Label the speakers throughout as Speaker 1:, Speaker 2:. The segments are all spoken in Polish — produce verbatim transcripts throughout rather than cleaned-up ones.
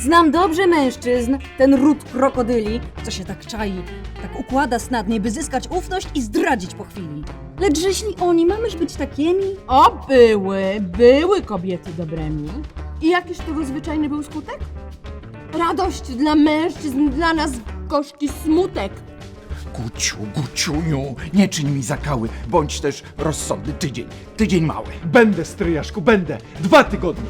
Speaker 1: Znam dobrze mężczyzn, ten ród krokodyli, co się tak czai, tak układa snadnie, by zyskać ufność i zdradzić po chwili. Lecz jeśli oni mamyż być takimi...
Speaker 2: O, były, były kobiety dobrymi. I jakiż tego zwyczajny był skutek? Radość dla mężczyzn, dla nas gorzki smutek.
Speaker 3: Guciu, Guciuniu, nie czyń mi zakały, bądź też rozsądny tydzień, tydzień mały.
Speaker 4: Będę, stryjaszku, będę. Dwa tygodnie.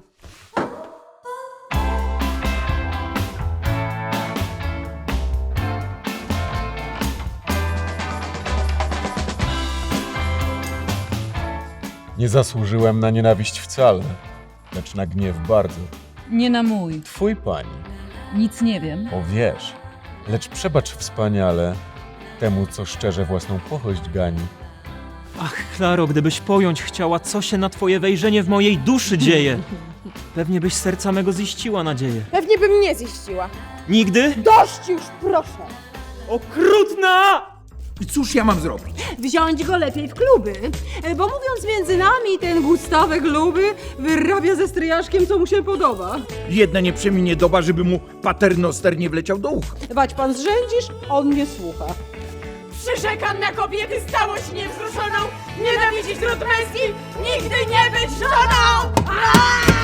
Speaker 5: Nie zasłużyłem na nienawiść wcale, lecz na gniew bardzo.
Speaker 6: Nie na mój.
Speaker 5: Twój pani,
Speaker 6: Nic nie wiem.
Speaker 5: o wiesz, lecz przebacz wspaniale temu, co szczerze własną pochość gani.
Speaker 7: Ach, Klaro, gdybyś pojąć chciała, co się na twoje wejrzenie w mojej duszy dzieje. Pewnie byś serca mego ziściła nadzieję.
Speaker 2: Pewnie bym nie ziściła.
Speaker 7: Nigdy?
Speaker 2: Dość już, proszę!
Speaker 7: Okrutna!
Speaker 3: I cóż ja mam zrobić?
Speaker 2: Wziąć go lepiej w kluby, bo mówiąc między nami, ten Gustawek Luby wyrabia ze stryjaszkiem, co mu się podoba.
Speaker 3: Jedna nie przeminie doba, żeby mu paternoster nie wleciał do ucha.
Speaker 2: Wać pan zrzędzisz, on nie słucha. Przyrzekam na kobiety stałość niewzruszoną, nienawidzić ród męski, nigdy nie być żoną! Aaaa!